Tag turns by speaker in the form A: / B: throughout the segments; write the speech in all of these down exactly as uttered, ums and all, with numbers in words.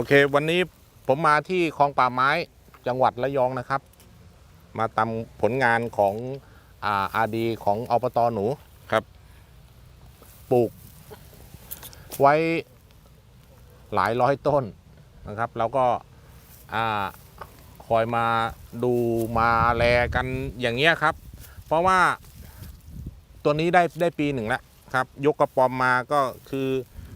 A: เควันนี้ผมมาที่คลองป่าไม้จังหวัดระยองนะครับมาตามผลงานของอาอาดีของอบต.หนูครับปลูกไว้หลายร้อยต้นนะครับแล้วก็คอยมาดูมาแลกันอย่างเงี้ยครับเพราะว่าตัวนี้ได้ได้ปีหนึ่งแล้วครับยกกระป๋อมมาก็คือ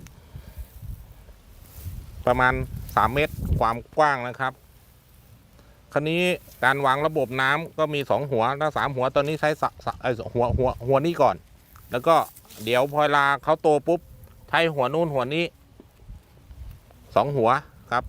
A: ประมาณสามเมตรความกว้างนะครับคราวนี้การวางระบบน้ำก็มีสองหัวถ้าสามหัวตอนนี้ใช้หัวหัวหัวนี้ก่อนแล้วก็เดี๋ยวพอเวลาเขาโตปุ๊บใช้หัวนู้นหัวนี้สองหัวครับ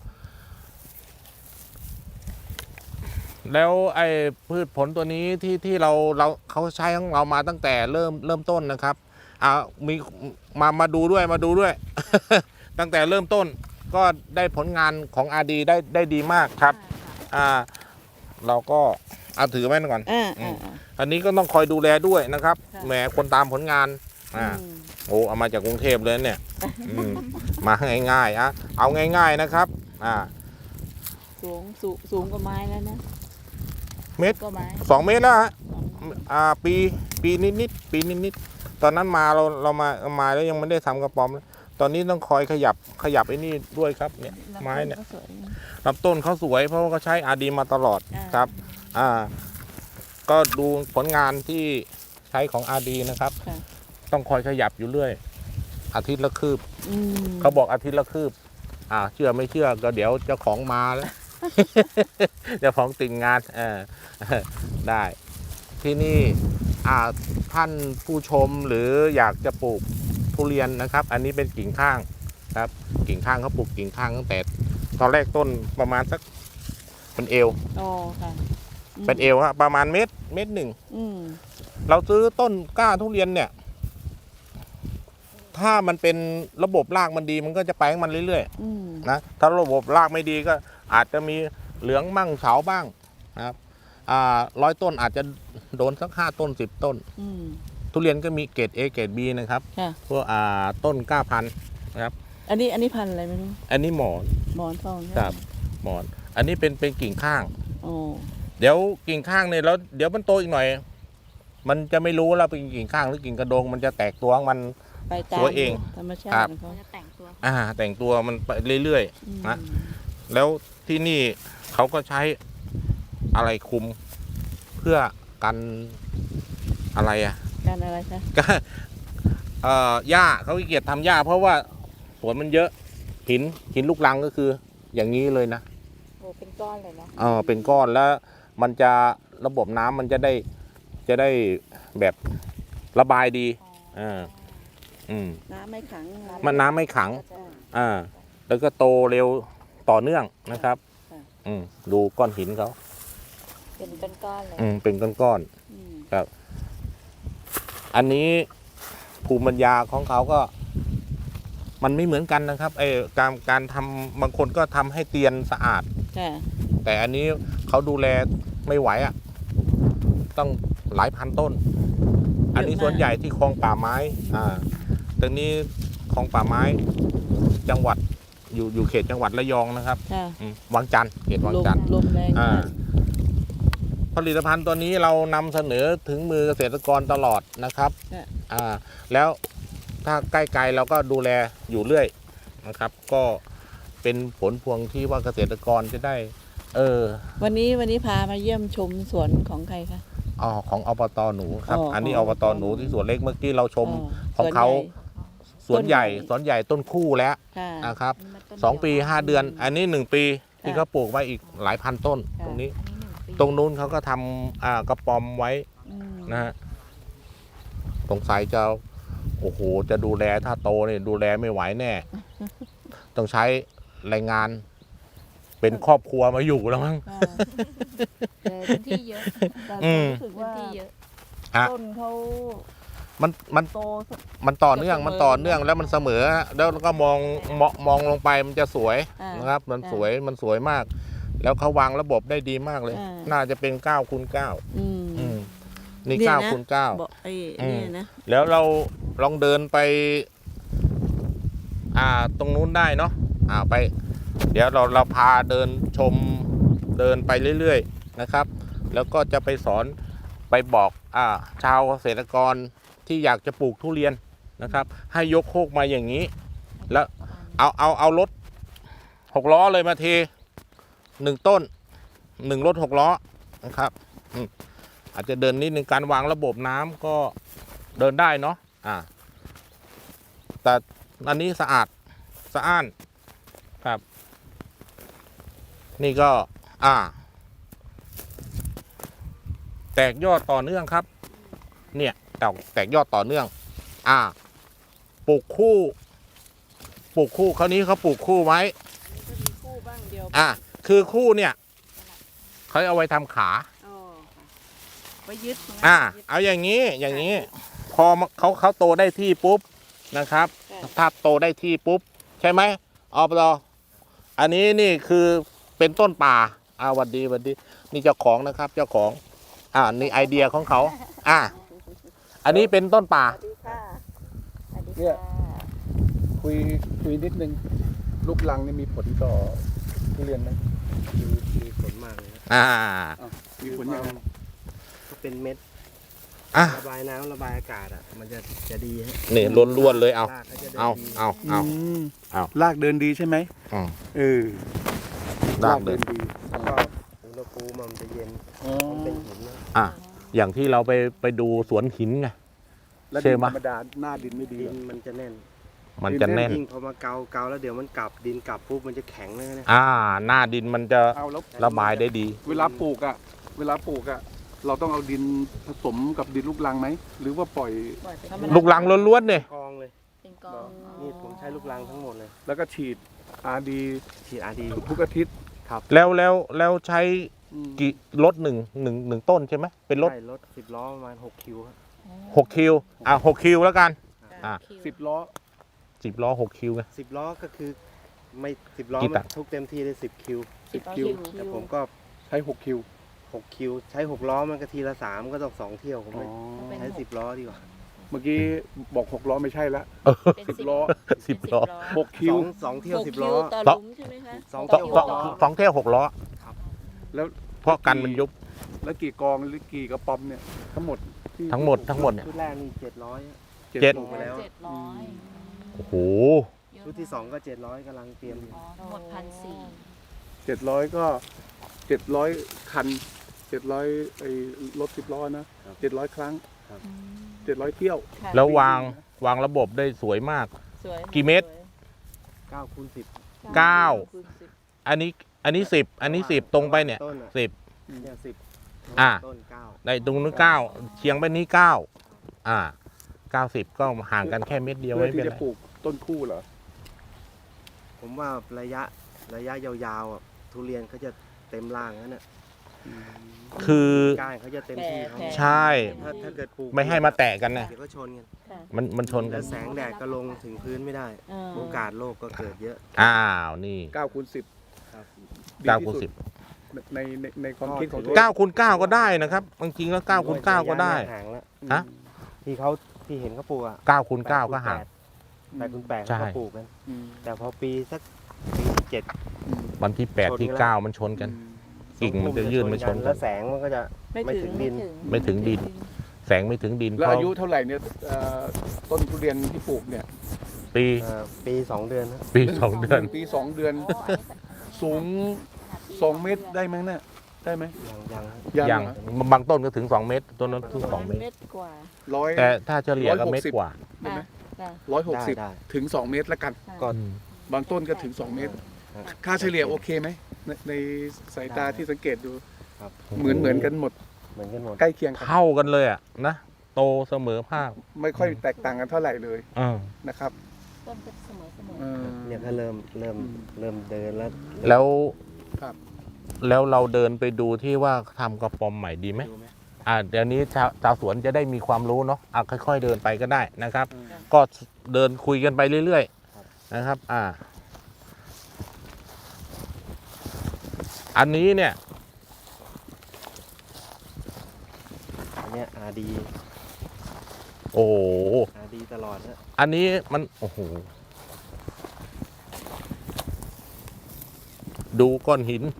A: แล้วไอ้พืชผลตัวนี้ที่ที่เราเราเขาใช้ของเรามาตั้งแต่เริ่มเริ่มต้นนะครับอ่ามีมามาดูด้วยมาดูด้วย ตั้งแต่เริ่มต้นก็ได้ผลงานของ อาร์ ดี ได้ได้ดีมากครับอ่าเราก็เอาถือไว้ก่อนออันนี้ก็ต้องคอยดูแลด้วยนะครับแหมคนตามผลงานอ่าโอ้เอามาจากกรุงเทพเลยเนี่ยมาง่ายๆอ่ะเอาง่ายๆนะครับอ่า
B: สูงสูงสูงกว่าไม้แล้วนะ
A: เมตรสองเมตรแล้วฮะอ่าปีปีนิดๆปีนิดๆตอนนั้นมาเราเรามามาแล้วยังไม่ได้ทำกระป๋อมตอนนี้ต้องคอยขยับขยับไอ้นี่ด้วยครับเนี่ยไม้เนี่ยลำต้นเขาสวยเพราะว่าเขาใช้ อาร์ ดี มาตลอดครับอ่าก็ดูผลงานที่ใช้ของ อาร์ ดี นะครับต้องคอยขยับอยู่เรื่อยอาทิตย์ละคืบเขาบอกอาทิตย์ละคืบอ่าเชื่อไม่เชื่อก็เดี๋ยวเจ้าของมาแล้วเจ้าของติดงานเออได้ที่นี่อ่าท่านผู้ชมหรืออยากจะปลูกทุเรียนนะครับอันนี้เป็นกิ่งข้างครับกิ่งข้างเขาปลูกกิ่งข้างตั้งแต่ตอนแรกต้นประมาณสักเป็นเอว
B: อ๋อค่ะ
A: เป็นเอวฮะประมาณเม็ดเม็ดหนึ่งเราซื้อต้นกล้าทุเรียนเนี่ยถ้ามันเป็นระบบรากมันดีมันก็จะไปของมันเรื่อยๆนะถ้าระบบรากไม่ดีก็อาจจะมีเหลืองมั่งเฉาบ้างนะครับอ่าร้อยต้นอาจจะโดนสักห้าต้นสิบต้นทุเรียนก็มีเกรด เอ เกรด บี นะครับพวกอ่าต้นก้าพันธุ์นะครับ
B: อันนี้อันนี้พันธุ์อะไรไม่รู้
A: อันนี้หมอน
B: หมอนทอง
A: ครับหมอนอันนี้เป็นเป็นกิ่งข้างเดี๋ยวกิ่งข้างเนี่ยแล้วเดี๋ยวมันโตอีกหน่อยมันจะไม่รู้แล้วเป็นกิ่งข้างหรือกิ่งกระโดงมันจะแตกตัวมันสวยเอง
B: ธรรมชาติเขาจะ
A: แต่งตัวอ่าแต่งตัวมันไปเรื่อยๆนะแล้วที่นี่เขาก็ใช้อะไรคุมเพื่อกันอะไรอะ
B: กันอะไรคะ
A: ก็เอ่อหญ้าเขาขี้เกียจทำหญ้าเพราะว่าสวนมันเยอะหินหินลูกรังก็คืออย่างนี้เลยนะ
B: โอ้เป็นก้อนเลยนะ
A: เออเป็นก้อนแล้วมันจะระบบน้ำมันจะได้จะได้แบบระบายดีอ่าอืม
B: น้ำไม่ขัง
A: มันน้ำไม่ขังอ่าแล้วก็โตเร็วต่อเนื่องนะครับอืมดูก้อนหินเขา
B: เป็นก้อนๆเลย
A: อืมเป็นก้อนๆครับอันนี้ภูมิปัญญาของเขาก็มันไม่เหมือนกันนะครับไอ้การการทำบางคนก็ทำให้เตียนสะอาดแต่อันนี้เขาดูแลไม่ไหวอ่ะต้องหลายพันต้นอันนี้ส่วนใหญ่ที่คลองป่าไม้อ่าตรงนี้คลองป่าไม้จังหวัดอยู่อยู่เขตจังหวัดระยองนะครับวังจันทร์เขตวังจันทร์ผลิตภัณฑ์ตัวนี้เรานำเสนอถึงมือเกษตรกรตลอดนะครับอ่าแล้วถ้าใกล้ๆเราก็ดูแลอยู่เรื่อยนะครับก็เป็นผลพวงที่ว่าเกษตรกรจะได้เออ
B: วันนี้วันนี้พามาเยี่ยมชมสวนของใครคะ
A: อ๋อของอบต.หนูครับอันนี้อบต.หนูที่สวนเล็กเมื่อกี้เราชมของเขาสวนใหญ่สวนใหญ่ต้นคู่แล้วนะครับสองปีห้าเดือนอันนี้หนึ่งปีที่เขาปลูกไว้อีกหลายพันต้นตรงนี้ตรงนู้นเขาก็ทำอ่ากระป๋อมไว้นะฮะสงสัยจะโอ้โหจะดูแลถ้าโตเนี่ยดูแลไม่ไหวแน่ต้องใช้แรงงานเป็นครอบครัวมาอยู่แล้วมั้ง
B: พื้นที่เยอะรู้สึกว่าต้นเขา
A: มันมันมันต่อเนื่องมันต่อเนื่องแล้วมันเสมอแล้วก็มองมองมองลงไปมันจะสวยนะครับมันสวยมันสวยมากแล้วเขาวางระบบได้ดีมากเลยน่าจะเป็นเก้าคูณเก้านี่เก้าคูณเก้าแล้วเราลองเดินไปอ่าตรงนู้นได้เนาะอ่าไปเดี๋ยวเราเราพาเดินชมเดินไปเรื่อยๆนะครับ แล้วก็จะไปสอนไปบอกอ่าชาวเกษตรกรที่อยากจะปลูกทุเรียนนะครับ ให้ยกโคกมาอย่างนี้ แล้วเอาเอาเอารถหกล้อเลยมาเทหนึ่งต้นหนึ่งรถหกล้อนะครับอืมอาจจะเดินนิดนึงการวางระบบน้ำก็เดินได้เนาะอ่าแต่อันนี้สะอาดสะอ้านครับ นี่ก็อ่า แตกยอดต่อเนื่องครับ เนี่ยแตกแตกยอดต่อเนื่อง อ่าปลูกคู่ปลูกคู่คราวนี้เขาปลูกคู่ไว้
B: ก็มีคู่บ้างเดียว
A: อ่าคือคู่เนี่ยเขาเอาไว้ทำขา
B: อ๋อค่ะไว้ยึดนะ
A: อ่า
B: ยึด
A: เอาอย่างนี้อย่างนี้ พอเขาเขาโตได้ที่ปุ๊บนะครับ
B: ค่ะ
A: ถ้าโตได้ที่ปุ๊บใช่ไหมอปตอันนี้นี่คือเป็นต้นป่าอ่าหวันดีหวันดีนี่เจ้าของนะครับเจ้าของ อ่านี่ไอเดียของเขาอ่าอันนี้เป็นต้นป่า
B: สวัสดีค่ะสวัสดี
C: เนี่ย
B: ค่ะ
C: คุยคุยนิดนึงลูกลังนี่มีผลต่อทุเรียนไหม
D: มีมีผลมากเลยครับ
A: อ่า
C: อ้าวมีผลยังไง
D: ถ้าเป็นเม็ด
A: อ่ะ
D: ระบายน้ำระบายอากาศอ่ะมันจะจะดีฮะ
A: นี่ล้วนๆเลยเอา
D: รากก็จะดิน
A: เอา
D: ดี
A: เอาเอา
C: ม
A: เอา
C: ลากเดินดีใช่ไหม
A: อืม
C: เออ
A: ลากเดิน
C: ดี
D: แล้วก็อุณหภูมิมันจะเย็น
C: อ๋อ
D: มันเป็นหินนะ
A: อ่ะอย่างที่เราไปไปดูสวนหินไง
C: แล้ว
A: ใช่
C: ดิน
A: ไหม
C: ธรรมดาหน้าดินไม่ดี
D: ดิ
C: เหร
D: น
C: อ
D: มันจะแน่น
A: มันจะแน่น
D: ยิ่งพอมาเกาเกาแล้วเดี๋ยวมันกลับดินกลับปุ๊บมันจะแข็งเลยนะ
A: อ่า หน้าดินมันจะ
C: เอาแล้ว
A: ระบายได้ดี
C: เวลาปลูกอ่ะ เวลาปลูกอ่ะ เราต้องเอาดินผสมกับดินลูกรังไหมหรือว่าปล่อย
B: ปล่อยไป
A: ลูกลังล้วนๆเนี่ย
D: กองเลย
B: เป็นกอง
D: นี่ผมใช้ลูกรังทั้งหมดเลย
C: แล้วก็ฉีดอาร์ดี
D: ฉีดอาดี
C: ทุกอาทิตย์
A: แล้วแล้วแล้วใช้
C: อืม
A: กี่รถหนึ่งหนึ่งหนึ่งต้นใช่ไหมเป็นรถ
D: ใช่รถสิบล้อประมาณหกคิวครับ
A: หกคิวอ่ะหกคิวแล้วกัน อ่ะ
C: สิบล้อ
A: สิบล้อหกคิวไง
D: สิบล้อก็คือไม่สิบล้อ
A: กี่
D: มั
A: ตั
D: น
A: น
D: ทุกเต็มที่ได้สิบคิว
C: สิบคิว
D: แต่ผมก็
C: ใช้หกคิว
D: หกคิวใช้หกล้อมันก็ทีละสามก็ต้องสองเที่ยวผม
C: อ๋อ
D: เลยใช้สิบล้อดีกว่า
C: เมื่อกี้บอกหกล้อไม่ใช่ละ
B: เป็น
C: สิบล้อ
A: สิบล้อ
C: หกคิ
D: ส
C: ว
D: องสองเที่ยว
B: หก
D: สิบ
B: คิ
D: ล้อ
B: ต่อหลุมใช่ไหมคะ
D: สอง
A: สอง
D: เที่ยว
A: สองสองเที่ยวหกล้อ
C: แล้ว
A: เพราะกันมันยุบ
C: แล้วกี่กองหรือกี่กระป๋อมเนี่ยทั้งหมดที่
A: ทั้งหมดทั้งหมดเนี่ย
D: ชุดแรกนี่เจ็ดร้อย
A: เจ็ด
D: ปลูกไปแล้ว
B: เจ็ดร้อย
A: โอ้โห
D: ชุดที่สองก็เจ็ดร้อยกำลังเตรียมอยู่
B: อ๋อทั้งหมดพันสี่
C: เจ็ดร้อยก็เจ็ดร้อยคันเจ็ดร้อยไอ้รถสิบล้อนะเจ็ดร้อยครั้งเจ็ดร้อยเที่ยว
B: ค่ะ
A: แล้ววางวางระบบได้สวยมาก
B: สวย
A: กี่เมตร
D: เก้าคูณสิบ
A: เก้า
B: คูณสิบ
A: อันนี้อันนี้สิบอันนี้สิบตรงไปเนี่ย
D: ต้นอะ
A: สิบ
D: เนี่ยสิบ
A: อ่ะ
D: ต้นเก้า
A: ในตรงนู้นเก้าเชียงไปนี้เก้าอ่าเก้าสิบก็ห่างกันแค่เม็ดเดียว
C: เพื่อ
A: ไม่
C: ที่
A: เป็น
C: จะ
A: ไร
C: ปลูกต้นคู่เหรอ
D: ผมว่าระยะระยะยาวๆอ่ะทุเรียนเขาจะเต็มร่างนั่นน่ะ
A: คือ
D: ก้านเขาจะเต็มที่เขา
A: ใช่
D: ถ้าถ้าเกิดปลูก
A: ไม่ให้มาแตะกันนะ
D: เดี๋ยวก็ชนกัน
B: ค่ะ
A: มันมันชนกั
D: แล้
A: น
D: วแสงแดดก็ลงถึงพื้นไม่ได้
B: เออ
D: โอกาสโรคก็เกิดเยอะ
A: อ้าวนี่
C: เก้าคูณสิบ
D: ครับ
C: ดี
A: เก้า
C: ที่
A: คูณ
C: สุด
A: สิบ
C: ในในในความคิดของตัว
A: เก้าคูณเก้าก็ได้นะครับบางทีแล้วเก้าคูณเก้าก็ได้
D: ห่างแล้ว
A: ฮะ
D: ที่เขาที่เห็นเขาปลูกอ่ะ
A: เก้าคูณเก้าก็ห่าง
D: แปดคูณแปด
A: ใช่
D: เขาก็ปลูกกัน
C: อืม
D: แต่พอปีสักปีที่เจ็ด
C: อืม
A: วันที่แปดที่เก้ามันชนกัน กิ่งมันจะยื่นมาชนกัน
D: แล้วแสงมันก็จะ
B: ไม่ถึง
D: ไม่ถึงดิน
A: ไม่ถึงดิน แสงไม่ถึงดิน
C: แล้ว
A: เพราะ
C: อายุเท่าไหร่เนี่ยเอ่อต้นทุเรียนที่ปลูกเนี่ย
A: ปี
D: เอ่อปีสองเดือนนะ
A: ปีสองเดือน
C: ปีสองเดือน สูงสองเมตรได้ไหมเนี่ยได้ไหม
D: ยังยังฮะ
A: อย่าง
C: เหรอบ
A: างต้นก็ถึงสองเมตรต้นนั้นถึงสองเมตร
B: เม็ดกว่า
C: ร้อย
A: แต่ถ้าเฉลี่ยก็เมตรกว่า
C: ได้ไหม
B: ค่ะ
C: ร้อยหก
D: ได้
C: สิบ
D: ได้
C: ถึงสองเมตรแล้วกัน
D: ก็
A: อืม
C: บางต้นก็ถึงสองเมตร
D: ครับ
C: ค่าเฉลี่ยโอเคไหมในในสายตา
D: ได้
C: ที่สังเกตดู
D: ครับ
C: เหมือนเหมือนกันหมด
D: เหมือนกันหมด
C: ใกล้เคียงกัน
A: เท่ากันเลยอ่ะนะโตเสมอภาค
C: ไม่ค่อยแตกต่างกันเท่าไหร่เลย
A: อ่า
C: นะครับ
B: ต้นก็เสมอเสมอ
C: เออ
D: เนี่ยก็เริ่มเริ่ม
C: อืม
D: เริ่มเดินแล้ว
A: แล้ว
C: ครับ
A: แล้วเราเดินไปดูที่ว่าทำกระป๋อมใหม่ดีไหม
D: ดูไหม
A: อ่าเดี๋ยวนี้ชาวชาวสวนจะได้มีความรู้เนาะอ่ะค่อย ๆ เดินไปก็ได้นะครับ
C: อืม
A: ก็เดินคุยกันไปเรื่อยๆนะครับ อ่า อันนี้เนี่ย
D: อันเนี้ยอาดี
A: โอ้โห
D: อาดีตลอดนะ
A: อันนี้มันโอ้โหดูก้อนหิน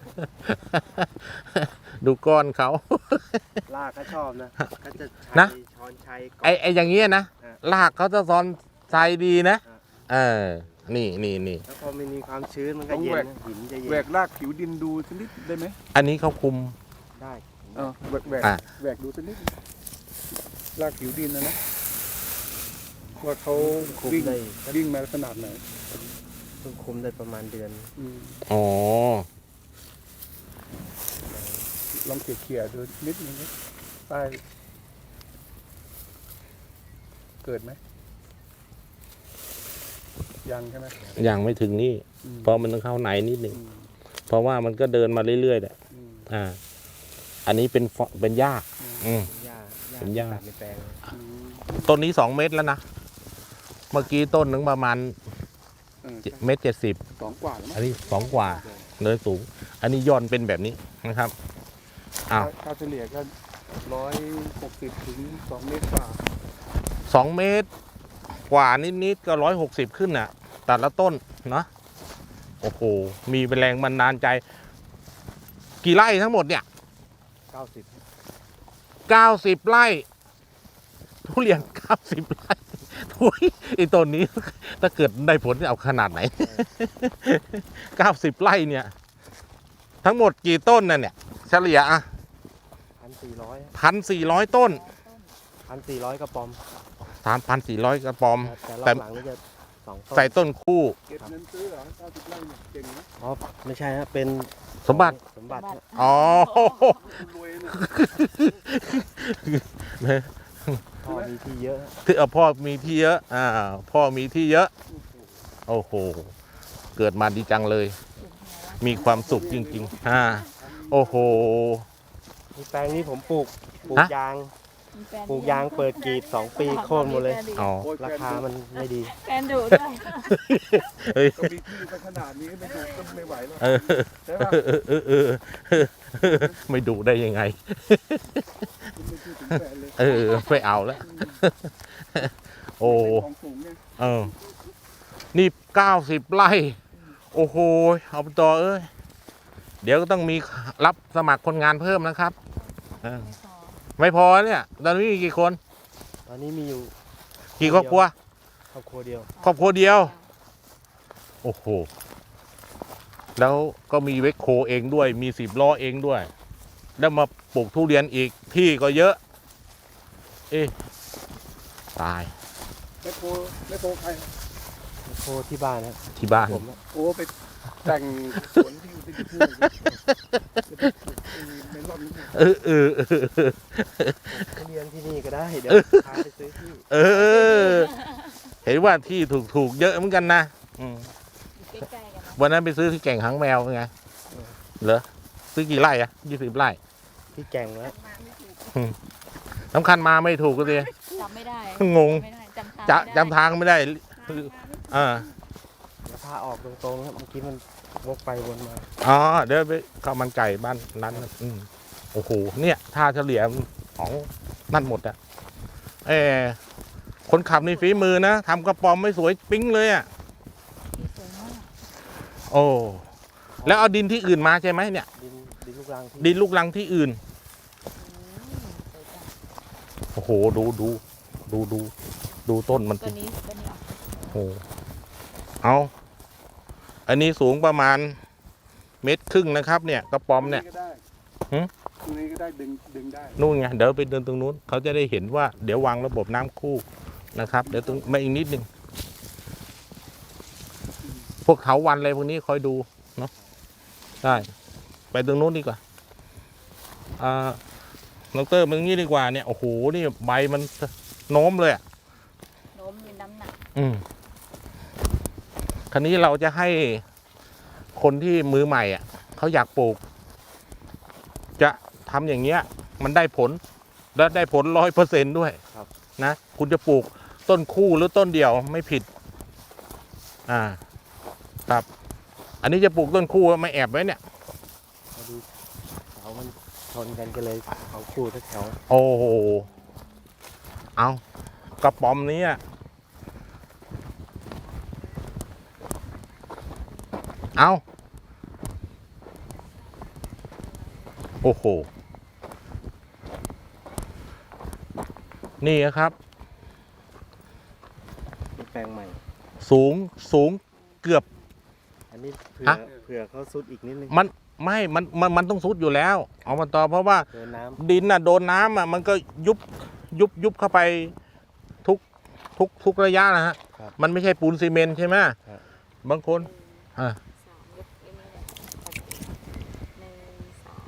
A: ดูก้อนเขา
D: ลากเขาชอบนะเขาจะใช้
A: นะ
D: ช้อนใช้ก
A: ไอ้ไอ้อย่างเงี้ยนะ
D: ฮะ
A: ลากเขาจะซ้อนทรายดีนะ
D: ฮะ
A: เออ นี่นี่นี่
D: แล้วพอมันมีความชื้นมันก็เย็นนะหินจะเย็
C: แหวก
D: น
C: รากผิวดินดูสักนิดได้ไหม
A: อันนี้เขาคุม
D: ได้
C: เออแหวกแหวก
A: อ่ะ
C: แหวกดูสักนิดรากผิวดินนะนะว่าเขา
D: คุม
C: วิ่ง
D: ได้
C: วิ่งมาขนาดไหน
D: เพิ่งคุมได้ประมาณเดือน
C: อืม
A: อ๋อ
C: ลองเขี่ยๆดูนิดนึงนะใต้เกิดไหมยังใช่ไหม
A: ยังไม่ถึงนี่
C: อืม
A: เพราะมันต้องเข้าในนิดหนึ่ง
C: อืม
A: เพราะว่ามันก็เดินมาเรื่อยๆแหละ
C: อืม
A: อ่า อันนี้เป็นฟเป็นหญ้า อืม
D: หญ้าหญ้า
A: เป็นหญ้า
D: ตัดในแปลง
C: อืม
A: ต้นนี้สองเมตรแล้วนะ เมื่อกี้ต้นหนึ่งประมาณ
C: เออ
A: เมตรเจ็ดสิบ
C: สองกว่าแล้วมั้
A: อัน
C: ง
A: นี้สองกว่าเลยสูง อันนี้ย่อนเป็นแบบนี้นะครับ อ้าว
C: ค่าเฉลี่ยก็ร้อยหกสิบถึงสองเมตรกว่า
A: สองเมตร กว่านิดๆก็ร้อยหกสิบขึ้นน่ะ แต่ละต้นเนาะ โอ้โห มีเป็นแรงบันดาลใจ กี่ไร่ทั้งหมดเนี่ย
D: เก้าสิบ
A: เก้าสิบไร่ ทุเรียนเก้าสิบไร่ทุยไอ้ต้นนี้ ถ้าเกิดได้ผลจะเอาขนาดไหน เก้าสิบไร่เนี่ย ทั้งหมดกี่ต้นน่ะเนี่ย เฉลี่ยอ่ะ
D: พันสี่ร้อย
A: พันสี่ร้อยต้น
D: พันสี่ร้อยกระป๋อม
A: สามพันสี่ร้อยกระปอม
D: แต่ร
A: แต่
D: อบหลังนี่จะสองต้น
A: ใส่ต้นคู่
C: เก็บเงินซื้อเหรอเก้าสิบไร่เนี่ยเก่งนะ
D: อ๋อไม่ใช่ฮะเป็น
A: สมบัติ
D: สมบัติฮะ
A: อ๋อ
C: คุณรวยเนี่ย
D: พ่อมีที่เยอะฮะ
A: ที่เอาพ่อมีที่เยอะ อ่า พ่อมีที่เยอะ โอ้โห เกิดมาดีจังเลย มีความสุขจริงๆ อ่า โอ้โห
D: มีแปลงนี้ผมปลูกปลูก
A: ฮะ
D: ยาง ปลูกยางเปิดกรีดสองปีโค่นหมดเลย
A: อ๋อ
C: โอ้ย
D: ราคามันไม่ดี
B: แฟนดุด้วย
A: เฮ้ย
C: ก็มีที่สักขนาดนี้ไม่ดูก็ไม่ไหวแล้ว
A: เออ
C: ใช่ป่ะ
A: เออเออเออเออไม่ดุได้ยังไง
C: คุณไม่พูดถึงแฟนเลย
A: เออไม่เอาแล้ว โอ้
C: ของสูงเนี่ย
A: เออ นี่เก้าสิบไร่ โอ้โหเอาไปต่อเอ้ย เดี๋ยวก็ต้องมีรับสมัครคนงานเพิ่มนะครับเออไม่พอเนี่ย ตอนนี้มีกี่คน
D: ตอนนี้มีอยู่
A: กี่ครอบครัว
D: ครอบครัวเดียว
A: ครอบครัวเดียว โอ้โห แล้วก็มีเวคโคเองด้วย มีสิบล้อเองด้วย แล้วมาปลูกทุเรียนอีกที่ก็เยอะ เอ๊ะตาย
C: แม่โคแม่โคใคร
D: โคที่บ้านนะ
A: ที่บ้าน
D: ผมนะ
C: โอ้ไปแต่งสวนที่อยู่ที่ที่ในรอบนี้
A: เออเออเออ
D: ทุเรียนที่นี่ก็ได้ เดี๋ยวพาไปซื้อที่
A: เออ เห็นว่าที่ถูกถูกๆเยอะเหมือนกันนะอืม
B: ใกล้ๆกันนะ
A: วันนั้นไปซื้อที่แก่งหางแมวเป็นไง เหรอ ซื้อกี่ไร่อะยี่สิบไร่
D: ที่แก่งแล้ว
A: สำคัญมาไม่ถูกก็เลย
B: จำไม่ได้
A: งง
B: จำไม่ได้จำทาง
A: จะ
B: ไม่ได้
A: จำทางไม่ได้อ่า
D: แล้วพาออกตรงๆครับเมื่อกี้มันวกไปวนมา
A: อ๋อ เดี๋ยวไปข้าวมันไก่บ้านนั้นน่ะอืมโอ้โห เนี่ยท่าเฉลี่ยของนั่นหมดอะเออคนขับในฝีมือนะทำกระป๋อมไม่สวยปิ๊งเลยอะ
B: สวยมาก
A: โอ้ แล้วเอาดินที่อื่นมาใช่ไหมเนี่ย
D: ดินดินลูกรังที่
A: ดินลูกรังที่อื่น
B: อืมสวยจัง
A: โอ้โห ดูดูดูดูดูต้นมัน
B: ตัว
A: สิ
B: นี้ตัวนี้ออก
A: โอ้โหเอา อันนี้สูงประมาณเมตรครึ่งนะครับ เนี่ยกระป๋อมเนี่ย
C: ก็ได้
A: หืม
C: ตรงนี้ก็ได้ดึงดึงได้
A: นู่นไงเดี๋ยวไปเดินตรงนู้นเขาจะได้เห็นว่าเดี๋ยววางระบบน้ำคู่นะครับ เดี๋ยวตรงมาอีกนิดนึงพวกเถาวัลย์อะไรพวกนี้คอยดูเนาะได้ไปตรงนู้นดีกว่าอ่าดรมันงี้ดีกว่าเนี่ยโอ้โหนี่ใบมันโน้มเลยอ่ะ
B: โน้มมีน้ำหนัก
A: อืมคันนี้เราจะให้คนที่มือใหม่อ่ะเขาอยากปลูก จะทำอย่างเงี้ย มันได้ผล และได้ผลร้อยเปอร์เซ็นด้วยนะคุณจะปลูกต้นคู่หรือต้นเดียวไม่ผิด อ่า ครับ อันนี้จะปลูกต้นคู่ไม่แอบไว้เนี่ย
D: พอดีเสามันชนกันก็เลยเขาคู่ทักแถว
A: โอ้โห เอากระป๋อมนี้อะเอาโอ้โห นี่นะครับ
D: เป็นแปลงใหม่
A: สูงสูงเกือบ
D: อันนี้เผื่อ
A: ฮะ
D: เผื่อเขาซุดอีกนิดนึง
A: มันไม่มันมันมันต้องซุดอยู่แล้วเอามาต่อเพราะว่า
D: เจอน้
A: ดินน่ะโดนน้ำอ่ะมันก็ยุบยุบยุบเข้าไปทุกทุกทุกระยะนะฮะ
D: ครับ
A: มันไม่ใช่ปูนซีเมนต์ใช่ไหม
D: ครับ
A: บางคนอ่า
B: สามยกไอ้นี่แหละหนึ่งสอง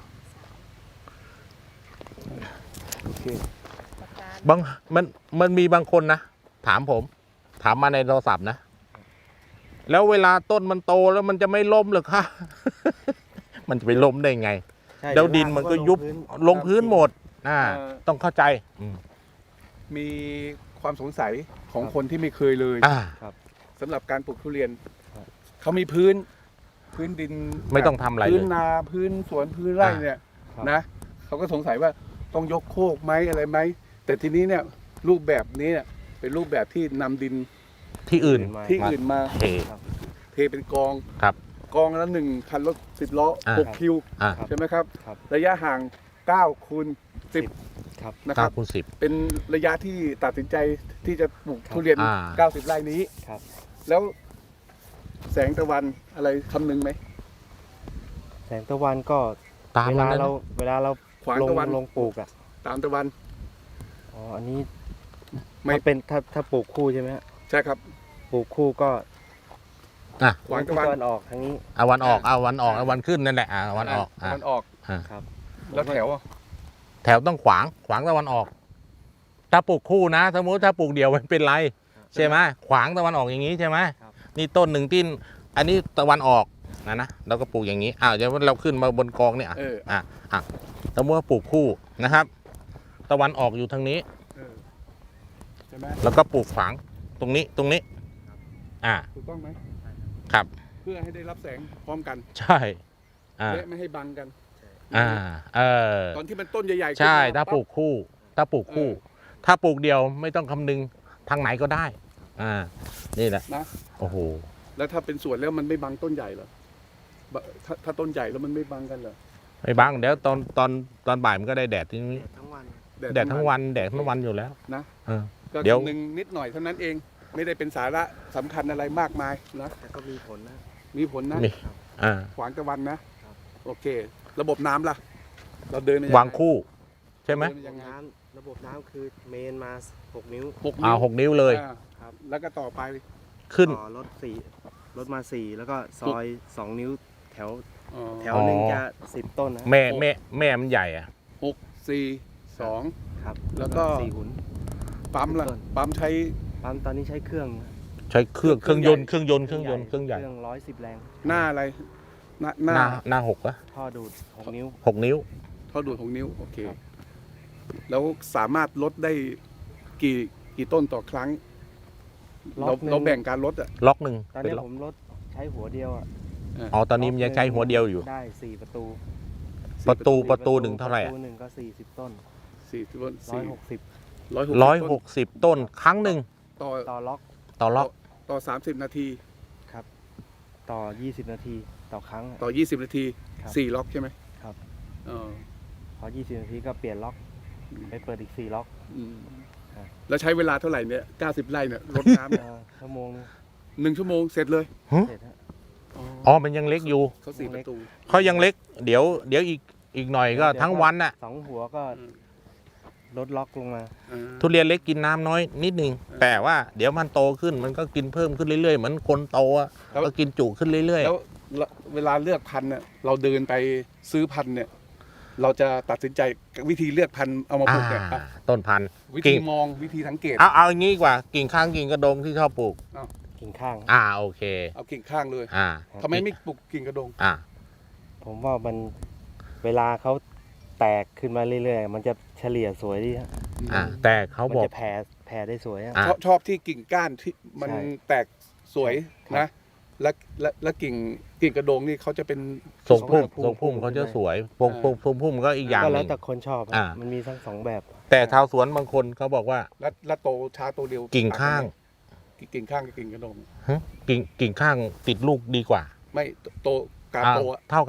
B: สาม
C: โอเค
B: ปากกา
A: บางมันมันมีบางคนนะถามผม ถามมาในโทรศัพท์นะ แล้วเวลาต้นมันโตแล้วมันจะไม่ล้มเหรอคะ มันจะไปล้มได้ไง
D: ำใช่
A: แล้วดินมันก็ยุบ
D: ลงพื้น
A: ลงพื้นหมดอ่าต้องเข้าใจอืม
C: มีความสงสัยของคนที่ไม่เคยเลย
A: อ่า
C: สำหรับการปลูกทุเรียน
D: ครับ
C: เขามีพื้นพื้นดิน
A: ไม่ต้องทำอะไรเลย
C: พื้นนาพื้นสวนพื้นไร่เนี่ย
D: ครับ
C: นะเขาก็สงสัยว่าต้องยกโคกไหมอะไรไหมแต่ทีนี้เนี่ยรูปแบบนี้เนี่ยเป็นรูปแบบที่นำดิน
A: ที่อื่น
D: มา
C: ที่อื่นมา
A: เท
C: เทเป็นกอง
A: ครับ
C: กองละหนึ่งคันรถสิบล้อ
A: อ่า
C: หกคิว
A: อ่า
C: ใช่ไหมครับ
D: ครับ
C: ระยะห่างเก้าคูณสิบ
D: ครับ
C: นะค
A: เก้า
C: รับ
A: คูณสิบ
C: เป็นระยะที่ตัดสินใจที่จะปลูก
D: ครับ
C: ทุเรียน
A: อ่า
C: เก้าสิบไร่นี้
D: ครับ
C: แล้วแสงตะวันอะไรคำนึงไหม
D: แสงตะวันก็
A: ตาม
D: เว
A: มั
D: ลาน
A: นั้น
D: เราเวลาเรา
C: ขวาง
D: ลง
C: ตะวัน
D: ลงปลูกอ่ะ
C: ตามตะวัน
D: อ๋ออันนี้
C: ไม่
D: ถ้าเป็นถ้าถ้าปลูกคู่ใช่ไหมฮะ
C: ใช่ครับ
D: ปลูกคู่ก็
A: อ่ะ
C: ขวาง
D: ทิ
C: ตะ
D: ศ
C: วัน
D: ตะวันออกทางนี้
A: เอาวันออกเอาวันออกเอาวันขึ้นนั่นแหละอ่าวันออก
C: ตะ
A: อ่า
C: วันออก
D: ครับ
C: แล้วแถวอ่ะ
A: แถวต้องขวางขวางตะวันออก ถ้าปลูกคู่นะ สมมติถ้าปลูกเดี่ยวมันเป็นไร ใช่ไหมขวางตะวันออกอย่างนี้ใช่ไหม
D: ครับ
A: นี่ต้นหนึ่งที่อันนี้ตะวันออกนะนะเราก็ปลูกอย่างนี้อ้าวเดี๋ยวเราขึ้นมาบนกองเนี่ยอ่ะ
C: เออ
A: อ่ะอ่ะสมมติว่าปลูกคู่นะครับ ตะวันออกอยู่ทางนี้
C: เออใช่ไหม
A: แล้วก็ปลูกขวางตรงนี้ตรงนี้ อ่า
C: ถูกต้องไหม
A: ครับ
C: เพื่อให้ได้รับแสงพร้อมกัน
A: ใช่อ่า
C: และไม่ให้บังกัน
A: อ่าเออ
C: ตอนที่มันต้นใหญ่ๆ
A: ใช่
C: ขึ้นม
A: ถ้าปลูกคู่ ถ้าปลูกคู่ ถ้าปลูกเดียวไม่ต้องคำนึงทางไหนก็ได้ อ่า นี่แหละ
C: นะ
A: โอ้โห
C: แล้วถ้าเป็นสวนแล้วมันไม่บังต้นใหญ่เหรอ บะถ้าถ้าต้นใหญ่แล้วมันไม่บังกันเหรอ
A: ไม่บังเดี๋ยวตอนตอนตอนบ่ายมันก็ได้แดดที่นี้
D: ทั้งวัน
A: แดดทั้งวันแดดทั้งวันอยู่แล้ว
C: นะ
A: เออ
C: ก็
A: เดี๋ยว
C: คำนึงนิดหน่อยเท่านั้นเอง ไม่ได้เป็นสาระสำคัญอะไรมากมายนะ
D: แต่ก็มีผลนะ
C: มีผลนะ
A: นี่อ่า
C: ขวางตะวันนะ
D: ครับ
C: โอเค ระบบน้ำล่ะ เราเดินมยัไ
A: วางคู่ ใช่ไหม
C: เดิน
D: ระ
C: ยั
D: บบ
C: งไง
D: น้ำระบบน้ำคือเมนมาหกนิ้ว
C: หก
A: อ่า
C: นิ้ว
A: หกนิ้วเลย
C: อ่า
D: ครับ
C: แล้วก็ต่อไป
A: ขึ้น
D: ต่อรถสี่รถมาสี่แล้วก็ซอยสองนิ้วแถว
C: อ๋อ
D: แถวหนึ่ง
A: อ๋อ
D: จะสิบต้นนะ
A: แม่แม่แม่มันใหญ่อะ
C: หกสี่สอง
D: ครับ
C: แล้วก็
D: สี่หุ่น
C: ปั๊มล่ะ
D: ต้น
C: ปั๊มใช้
D: ปั๊มตอนนี้ใช้เครื่อง
A: ใช้เครื่อง
C: เค
A: เค
C: รื่
A: รื่
C: อ
A: อง ง
C: ใหญ่
A: ยนต์เครื่องยนต์เครื่องยนต์เครื่องใหญ่
D: เครื่องร้อยสิบแรง
C: หน้าอะไร หน้าห
A: ห
C: น้า
A: น้าหน้าหกอะ
D: ท่อดูดหกนิ้ว
A: หกนิ้ว
C: เท่าดูดหกนิ้ว โอเค
D: ครับ
C: แล้วสามารถลดได้กี่กี่ต้นต่อครั้ง เรา
D: หนึ่
C: เราแบ่งการลดอ่ะ
A: ล็อกหนึ่ง
D: ตอน
A: เป็น
D: นี้
A: ล็อก
D: ผมรถใช้หัวเดียวอ่ะ
A: อ๋อตอนนี้มันยังใช้หัวเดียวอยู่
D: ได้สี่ประตู
A: ประตู
D: สี่
A: ประตูหนึ่งเท่าไหร่
D: ป
A: อะ
D: ระตูหนึ่งก็สี่สิบต้น
C: สี่ต้น
D: ร้อย
C: สี่
D: หกสิบ
C: ร้อยหก
A: ร้อยหกสิบต้นครั้งหนึ่ง
C: ต่อ
D: ต่อล็อก
A: ต่อล็อก
C: ต่อสามสิบนาที
D: ครับ ต่อยี่สิบนาทีต่อครั้งอะ
C: ต่อยี่สิบนาที
D: ครับ
C: สี่ล็อกใช่ไหม
D: ครับ
C: เออ
D: พอยี่สิบนาทีก็เปลี่ยนล็อกไปเปิดอีกสี่ล็อก
C: อืม
D: ครับ
C: แล้วใช้เวลาเท่าไหร่เนี่ยเก้าสิบไร่เนี่ยรดน้ำเนี่ย
D: เออชั่วโมงนึง
C: หนึ่งชั่วโมงเสร็จเลย
D: เสร็จฮะ
A: อ๋อมันยังเล็กอยู่
C: เขาสี่ประตู
A: เขายังเล็ก เดี๋ยวเดี๋ยวอีกอีกหน่อยก็
D: เดี๋ยว
A: ทั้งวันน่ะ
D: สองหัวก็
C: อืม
D: ลดล็อกลงมา
C: อ่า
A: ทุเรียนเล็กกินน้ำน้อยนิดนึง แต่ว่าเดี๋ยวมันโตขึ้นมันก็กินเพิ่มขึ้นเรื่อยๆเหมือนคนโตอะ
C: แล้ว
A: ก็กินจุขึ้นเรื่อย
C: แล้วแล้วเวลาเลือกพันธุ์เนี่ยเราเดินไปซื้อพันธุ์เนี่ย เราจะตัดสินใจวิธีเลือกพันธุ์เอามา
A: ๆ
C: ป
A: อ่า
C: ลูกเนี่ยอ่ะ
A: ต้นพันธุ์
C: วิ
A: กิ่
C: ธี
A: ง
C: มองวิธีสังเกต
A: เอาเอาอย่างนี้ดีกว่ากิ่งข้างกิ่งกระดงที่ชอบปลูก
D: กิ่งข้าง
A: อ่าโอเค
C: เอากิ่งข้างเลย
A: อ่า
C: ทำไมไม่ปลูกกิ่งกระดง
A: อ่า
D: ผมว่ามันเวลาเขาแตกขึ้นมาเรื่อยๆ มันจะเฉลี่ยสวยดีฮะ
A: อ่าแต่เขา
D: มัน
A: บอก
D: จะแผ่แผ่ได้สวยอะ
A: อ่ะ
C: ชอบชอบที่กิ่งก้านที่มัน
D: ใช่
C: แตกสวย
D: ครับ
C: นะ และและและกิ่งกิ่งกระโดงนี่เขาจะเป็น
A: ทรงพุ่ม
C: พุ่
A: ทรงพุ่มเขาจะสวยพวกพวกทรงพุ่มก็อีกอย่าง
D: ก็
A: ห
D: แล้
A: นึ่
D: ว
A: ง
D: แต่คนชอบอะ
A: อ่า
D: มันมีทั้งสองแบบ
A: แต่ชาวสวนบางคนเขาบอกว่า
C: และและโตช้าโตเร็ว
A: กิ่งข้าง
C: กิ่งข้างกับกิ่งกระโดง
A: ฮะกิ่งกิ่งข้างติดลูกดีกว่า
C: ไม่โตการ
A: อ่า
C: โตอะ
A: เท่ากัน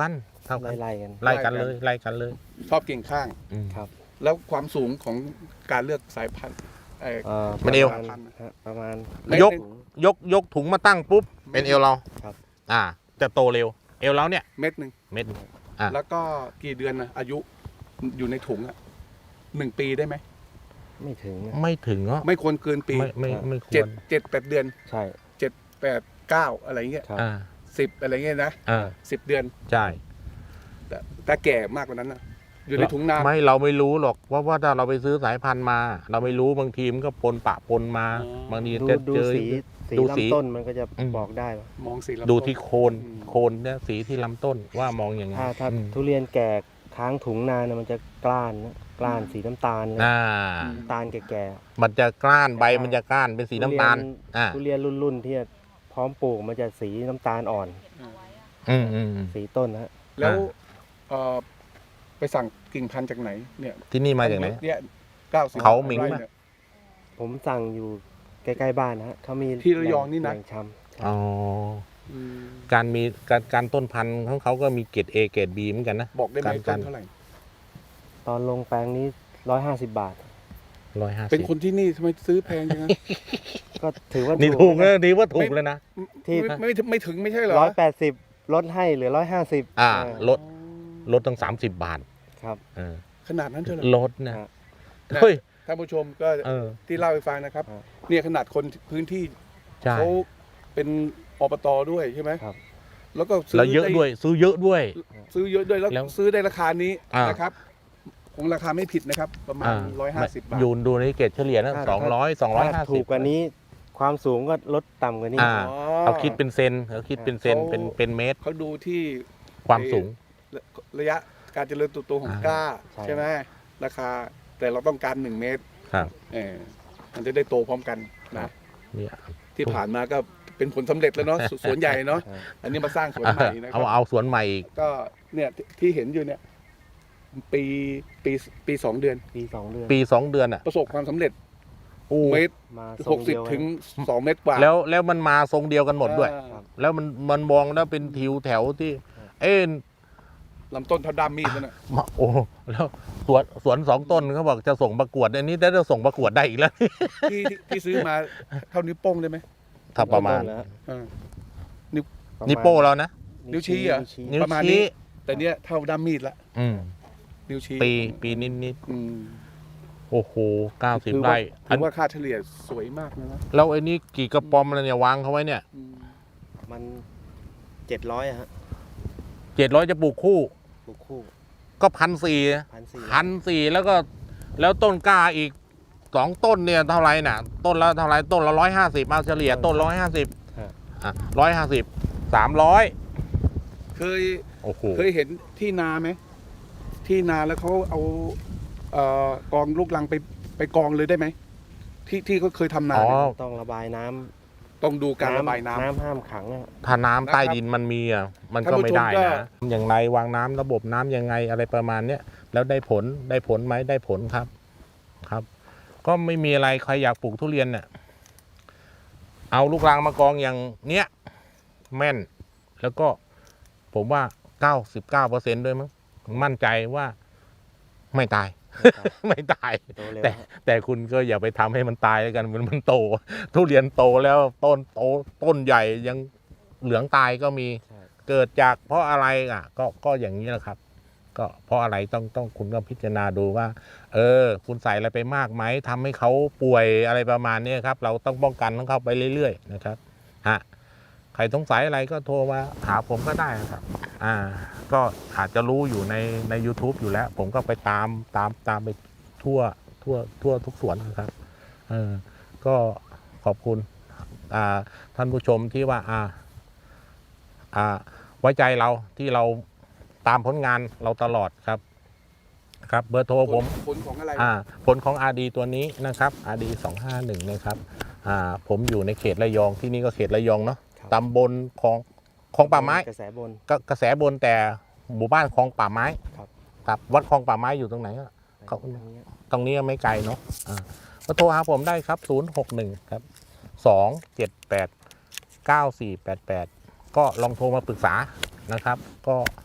A: เท่ากัน
D: ไล่ๆกัน
A: ไล่กันเลยไล่กันเลย
C: ชอบกิ่งข้าง
A: อืม
D: ครับ
C: แล้วความสูงของการเลือกสายพันธุ์เอ่อ
D: เอ่อ
A: มันเอว
D: ประมาณฮะประมาณ
A: ยก ยกยกถุงมาตั้งปุ๊บเป็นเอวเรา
D: ครับ
A: อ่า จะโตเร็ว เอวเราเนี่ย
C: เม็ดหนึ่ง
A: เม็ด อ่ะ
C: แล้วก็กี่เดือนนะอายุอยู่ในถุงอะหนึ่งปีได้ไหม
D: ไม่ถึงนะ
A: ไม่ถึงเนาะ
C: ไม่ควรเกินปี
A: ไม่ไม่ไม่คว
C: เจ็ด
A: ร
C: เจ็ดแปดเดือน
D: ใช่
C: เจ็ดแปดเก้าอะไรเงี้ย
D: ครับ
A: อ่า
C: สิบอะไรเงี้ยนะ
A: อ่า
C: สิบเดือน
A: ใช่
C: แต่แต่แก่มากกว่านั้นนะอยู่ในถุงนาน
A: ไม่เราไม่รู้หรอกว่าว่าถ้าเราไปซื้อสายพันธุ์มา เราไม่รู้บางทีมันก็ปนปะปนมา
C: อ๋อ
A: บางที
D: ดู
A: จะ
D: ดู
A: เจอ
D: สีสี
A: ดูสี
D: ลำต้นมันก็จะ
A: อืม
D: บอกได้ว่า
C: มองสีลำ
A: ดู
C: ต้น
A: ที่โคน
C: อืม
A: โคนเนี่ยสีที่ลำต้นว่ามองอย่างไง
D: ถ้าถ้า
A: อืม
D: ทุเรียนแก่ค้างถุงนานนะมันจะกล้านนะกล้านสีน้ำตาลเลย
A: อ่า
D: น้ำตาลแก่
A: มันจะกล้านใบ
D: แต่ถ้า
A: มันจะกล้านเป็นสีน้ำตาล อ่า
D: ๆทุเรียนรุ่นๆที่พร้อมปลูกมันจะสีน้ำตาลอ่อน
A: อืมอืมอืม
D: สีต้นนะฮะ
C: แล้ว
A: อ่า
C: เอ่อไปสั่งกิ่งพันธุ์จากไหนเนี่ย
A: ที่นี่มาจากไหน
C: เนี่ยเก้าสิบ
A: เขาหมิง
C: ไร่
A: ปะ
C: เนี่ย
D: ผมสั่งอยู่ใกล้ๆบ้านนะฮะเขามี
C: ที่ระยองนี่นะ
D: แหล่งชำ
A: อ๋อ
C: อืม
A: การมีการการต้นพันธุ์ของเขาก็มีเกรด A เกรด B เหมือนกันนะ
C: บอกได้ไหม
A: การ
C: ต้นเท่าไหร่
D: ตอนลงแปลงนี้ร้อยห้าสิบบาท
A: ร้อยห้าสิบ
C: เป็นคนที่นี่ทำไมซื้อแพงจังนะ
D: ก็ถือว่า
A: นี่ถูกนะนี่ว่าถูกเลยนะ
D: ที่
C: ไม่ไม่ไม่ถึงไม่ใช่เหรอ
D: ร้อยแปดสิบลดให้เหลือร้อยห้าสิบ
A: อ่า ลด ลดตั้งสามสิบบาท
D: ครับ
A: เออ
C: ขนาดนั้นเท่าไหร่
A: ลดนะ
D: ฮะ
A: เฮ้ย
C: ท่านผู้ชมก็
A: เออ
C: ที่เล่าให้ฟังนะครับ
D: ครับ
C: เนี่ยขนาดคนพื้นที่
A: ใช่
C: เขาเป็นอบตด้วยใช่ไหม
D: ครับ
C: แล้วก็ซื้
A: แล้วเยอะ
C: ไ
A: ด้วย ซื้อเยอะด้วย
C: ซื้อเยอะด้วยแล้ว
A: แล้ว
C: ซื้อได้ราคานี้
A: อ่าน
C: นะครับคงราคาไม่ผิดนะครับ ประมาณ
A: อ่า
C: ร้อยห้าสิบบาท
A: ยูนดูในเกรดเฉลี่ยนะ
D: ถ้า
A: สองร้อยสองร้อยห้า
D: ถ้า
A: สิบ
D: ถูกกว่านี้ความสูงก็ลดต่ำกว่านี้
A: อ่า
C: อ๋อ
A: เขาคิดเป็นเซนเขาคิดเป็นเซน
C: เขา
A: เป็นเป็นเมตร
C: เขาดูที่
A: ความสูง
C: ระยะการเจริญเติบโตของ
A: อ่าก
C: กล้า
D: ใช่
C: ใช่ไหมราคาแต่เราต้องการหนึ่งเมตร
A: ครับ
C: เออมันจะได้โตพร้อมกัน
A: ครั
C: นะ
A: บ เนี่ย
C: ที่ผ่านมาก็เป็นผลสำเร็จแล้วเนาะ สสวนใหญ่เนาะ
D: ครับ
C: อันนี้มาสร้างสวนใหม่นะค
A: เอา
C: รับ
A: เอาสวนใหม่อีก
C: ก็เนี่ยที่เห็นอยู่เนี่ยปีปีปีสองเดือน
D: ปีสองเดือน
A: ปีสองเดือนอ่ะ
C: ประสบความสำเร็จ
A: โอ้
C: เมตร
D: มาท
C: ห
D: ร
C: ก
D: ง
C: สิ
D: เดี
C: บ
D: ยว
C: ถึงสองเมตรกว่า
A: แล้วแล้วมันมาทรงเดียวกันหมดด้วย
C: อ่า
D: ครับ
A: แล้วมันมันมองแล้วเป็นทิวแถวที่ เอ็น
C: ลำต้นเท่าด้ามมีดนั่นน่ะ
A: มาโอ้แล้วสวนสวนสองต้นเขาบอกจะส่งประกวดอันนี้ได้จะส่งประกวดได้อีกแล้ว
C: ที่ที่ที่ซื้อมาเท่านิ้วโป้งได้ไหม
A: ถ้าประมาณ
D: ต้นแล้ว
C: อ่า
D: ประมาณ
A: นิโป้เรานะ
C: นิ้วชี้เหรอ
D: นิ้วชี้
A: นิ้ว
C: ประมาณนี้
A: ชี้
C: แต่เนี้ยเท่าด้ามมีดละ
A: อืม
C: นิ้วชี้
A: ปีปีนิดนิด
C: อืม
A: ๆโอ้โหเก้าสิบ
C: ถือ
A: ไร่
C: ว่าถือว่าค่าเฉลี่ยสวยมากนะนะ
A: แล้วไอ้นี่กี่กระป๋อมแล้วเนี่ยวางเขาไว้เนี่ย
C: อืม
D: มันเจ็ดร้อยฮะ
A: เจ็ดร้อยจะปลูกคู่
D: ปลูกคู่
A: ก็พันสี่
D: พันสี่
A: พันสี่แล้วก็แล้วต้นกล้าอีกสองต้นเนี่ยเท่าไหร่น่ะ ต้นละเท่าไหร่ต้นละร้อยห้าสิบมาเฉลี่ยต้นร้อยห้าสิบอ่ะร้อยห้าสิบสามร้อย
C: เคย
A: โอ้โห
C: เคยเห็นที่นาไหมที่นาแล้วเขาเอาเอ่อกองลูกลังไปไปกองเลยได้ไหมที่ที่เขาเคยทำนา
A: อ๋อ
C: เนี่ย
D: ต้องระบายน้ำ
C: ต้องดูการระบายน้ำ
D: น้ำห้ามขังอะ
A: ถ้าน้ำใต้ดินมันมีอ่ะมันก็ไม่ได้
C: ท่านผู้ชม
A: นะอย่างไรวางน้ำระบบน้ำยังไงอะไรประมาณเนี้ยแล้วได้ผลได้ผลไหมได้ผลครับครับ ก็ไม่มีอะไรใครอยากปลูกทุเรียนเนี่ยเอาลูกรังมากองอย่างเนี้ยแม่น แล้วก็ผมว่าเก้าสิบเก้าเปอร์เซ็นต์ด้วยมั้งมั่นใจว่าไม่ตาย ไม่ตาย
D: โตเร็ว
A: แต่
D: ฮะ
A: แต่คุณก็อย่าไปทำให้มันตายแล้วกันมันมันโต ทุเรียนโตแล้วต้นโตต้นใหญ่ยังเหลืองตายก็มี
D: ใช่
A: เกิดจากเพราะอะไรอ่ะ ก็ก็อย่างนี้แหละครับ ก็เพราะอะไรต้องต้องคุณก็พิจารณาดูว่า เออ คุณใส่อะไรไปมากไหมทำให้เขาป่วยอะไรประมาณนี้ครับ เราต้องป้องกันของเขาไปเรื่อยๆนะครับฮะใครสงสัยอะไรก็โทรมาหาผมก็ได้นะครับ อ่า ก็อาจจะรู้อยู่ในใน YouTube อยู่แล้ว ผมก็ไปตามตามตามไปทั่วทั่วทั่วทุกสวนนะครับเออก็ขอบคุณอ่าท่านผู้ชมที่ว่าอ่าอ่าไว้ใจเราที่เราตามผลงานเราตลอดครับครับเบอร์โทรผม
C: ผลของอะไร
A: อ่าผลของ อาร์ ดี ตัวนี้นะครับ อาร์ ดี สองห้าหนึ่งนะครับอ่าผมอยู่ในเขตระยองที่นี่ก็เขตระยองเนาะ
D: ครับ
A: ตำบลของของป่าไม้
D: กระแสบน
A: ก็กระแสบนแต่หมู่บ้านคลองป่าไม้
D: ครับ
A: ครับวัดคลองป่าไม้อยู่ตรงไหนอะเขา
D: ตรงนี้
A: ตรงนี้ไม่ไกลเนาะอ่าก็โทรหาผมได้ครับศูนย์หกหนึ่งครับสองเจ็ดแปดเก้าสี่แปดแปดก็ลองโทรมาปรึกษานะครับ ก็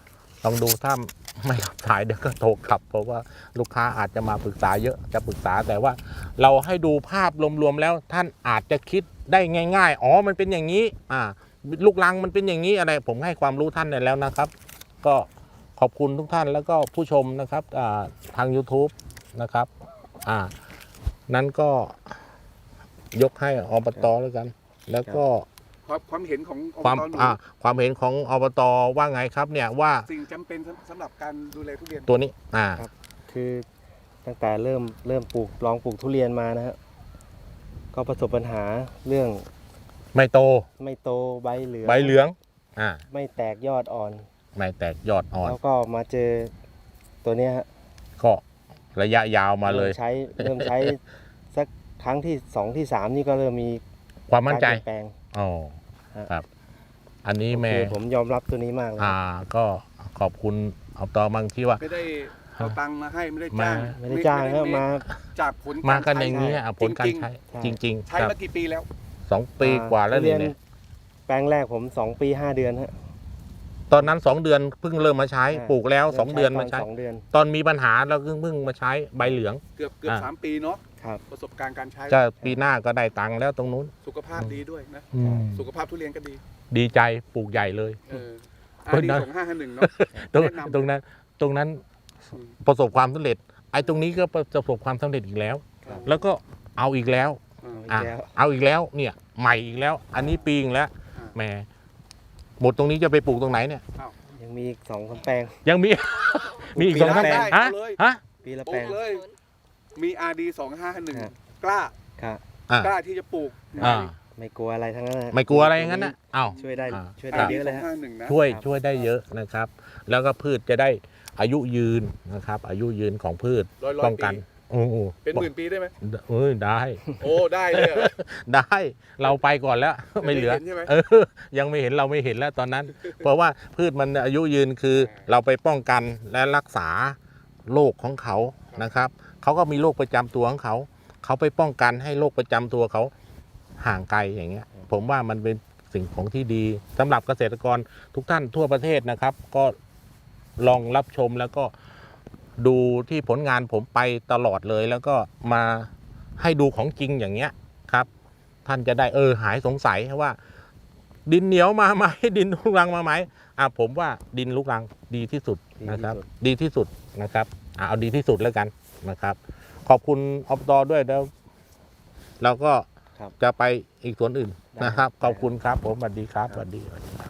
A: ลองดูถ้าไม่รับสายเดี๋ยวก็โทรกลับ เพราะว่าลูกค้าอาจจะมาปรึกษาเยอะจะปรึกษาแต่ว่าเราให้ดูภาพรวมๆแล้วท่านอาจจะคิดได้ง่ายๆอ๋อมันเป็นอย่างนี้อ่าลูกรังมันเป็นอย่างนี้อะไรผมให้ความรู้ท่านได้แล้วนะครับ ก็ขอบคุณทุกท่านแล้วก็ผู้ชมนะครับอ่าทาง YouTube นะครับอ่านั้นก็ยกให้อบตแล้วกัน แล้วก็
C: ความความเห็นของอบ
A: ความ
C: ตหนู
A: อ่าความเห็นของอบตว่าไงครับเนี่ยว่า
C: สิ่งจำเป็นสำสำหรับการดูแลทุเรียน
A: ตัวนี้อ่า
D: คือตั้งแต่เริ่มเริ่มปลูกลองปลูกทุเรียนมานะฮะก็ประสบปัญหาเรื่อง
A: ไม่โต
D: ไม่โตใบเหลือง
A: ใบเหลืองอ่า
D: ไม่แตกยอดอ่อน
A: ไม่แตกยอดอ่อน
D: แล้วก็มาเจอตัวเนี้ยฮะ
A: ก็ระยะยาวมาเลย
D: ริ่ใช้เริ่มใช้สักครั้งที่สองที่สามนี่ก็เริ่มมี
A: ความมั่นใจ
D: การเปลี่ยนแปลง
A: อ๋อ
D: ฮะ
A: ครับ อันนี้แม่
D: โอเคผมยอมรับตัวนี้มากเลย
A: อ่าก็ขอบคุณอบตบางที่ว่า
C: ไม่ได้เอาตังค์มาให้ไม่ได้
A: มา
C: จ้าง
D: ไม่ได้จ้างฮะมา
C: จากผล
A: มากัน
C: ใช้
A: อย่างนี้อ่ะผลการใช้
D: ใช่
A: จริง ๆ
C: ใช้
A: ครับ
C: มากี่ปีแล้ว
A: สองปีกว่าแล้ว
D: ทุเรี
A: เนี่ย
D: นแปลงแรกผมสองปีห้าเดือนฮะ
A: ตอนนั้นสองเดือนเพิ่งเริ่มมาใช้
D: อ่า
A: ปลูกแล้วสอง
D: ริ่
A: เดือน
D: ต
A: มาใช้
D: สองเดือน
A: ตอนมีปัญหาเราเพิ่งเพิ่งมาใช้ใบเหลือง
C: เกือบเกือบ
A: อ่า
C: สามปีเนาะ
D: ครับ
C: ประสบการณ์การใช้
A: จะปีหน้าก็ได้ตังค์แล้วตรงนู้น
C: สุขภาพดีด้วยนะ
A: อืม
C: สุขภาพทุเรียนก็ดี
A: ดีใจปลูกใหญ่เลย
C: เออ
A: ค
C: อาน ดี
A: นั้น
C: สองห้าห้าหนึ่งเนาะ
A: ตรง
C: แนะนำ
A: ตรงนั้นตรงนั้น
C: อืม
A: ประสบความสำเร็จ ไอ้ตรงนี้ก็ประสบความสำเร็จอีกแล้ว
C: ครับ
A: แล้วก็เอาอีกแล้ว
C: อ่า
D: อีกแล้ว
A: อ่ะเอาอีกแล้วเนี่ยใหม่อีกแล้ว อันนี้ปีอีกแล้ว
C: อ่า
A: แหมหมดตรงนี้จะไปปลูกตรงไหนเนี่ย
D: ยังมีอีกสองสามแปลง
A: ยังมี มีอีกสอง
D: ปี
A: สาม
D: ละแปลง
A: ฮะ
C: เอาเลย
A: ฮะ
D: ปีละ
C: ป
D: แป
C: ลู
D: ล
C: ก
D: ง
C: เลย มี อาร์ ดี สองห้าห้าหนึ่ง
D: ฮะ
C: กล้า
D: ครับ
A: อ่ะ
C: กล้าที่จะปลูก
A: อ่า
D: ไม่กลัวอะไรทั้งนั้นนะ
A: ไม่กลัวอะไรอย่างนั้นนะอ้าว
D: ช่วยได้
A: อ่า
D: ช่วย
C: อา
D: ได้
C: ร์ ดี
D: เยอะ
C: ส
D: เล
C: อย ง
D: ฮะ
C: ห้าหนึ่งนะ
A: ช่วย
D: ครับ
A: ช่วยได้เยอะนะครับ แล้วก็พืชจะได้อายุยืนนะครับ อายุยืนของพืช
C: ร้อยร้อย
A: ป้องกัน
C: ปี
A: โอ้โห
C: เป็นหมื่นปีได้ไหม
A: เอ้ยได้
C: โอ้ ได้เลยเหรอ
A: ได้เราไปก่อนแล้ว ไม่เหลือ
C: เห็นใช่ไหม
A: เออยังไม่เห็นเราไม่เห็นแล้วตอนนั้น เพราะว่าพืชมันอายุยืนคือเราไปป้องกันและรักษาโรคของเขานะครับเขาก็มีโรคประจำตัวของเขาเขาไปป้องกันให้โรคประจำตัวเขาห่างไกลอย่างเงี้ย ผมว่ามันเป็นสิ่งของที่ดีสำหรับเกษตรกรทุกท่านทั่วประเทศนะครับ ก็ลองรับชมแล้วก็ดูที่ผลงานผมไปตลอดเลย แล้วก็มาให้ดูของจริงอย่างเงี้ยครับ ท่านจะได้เออหายสงสัยว่า ดินเหนียวมาไหม ดินลูกรังมาไหมอ่ะผมว่าดินลูกรังดีที่สุดนะครับ ดีที่สุดนะครับอ่ะเอาดีที่สุดแล้วกันนะครับ ขอบคุณอบตด้วยแล้วเราก็
D: ครับ
A: จะไปอีกสวนอื่น
D: ได้
A: นะครับ
D: ได้
A: ขอบคุณครับผมสวัสดีครับสวัสดี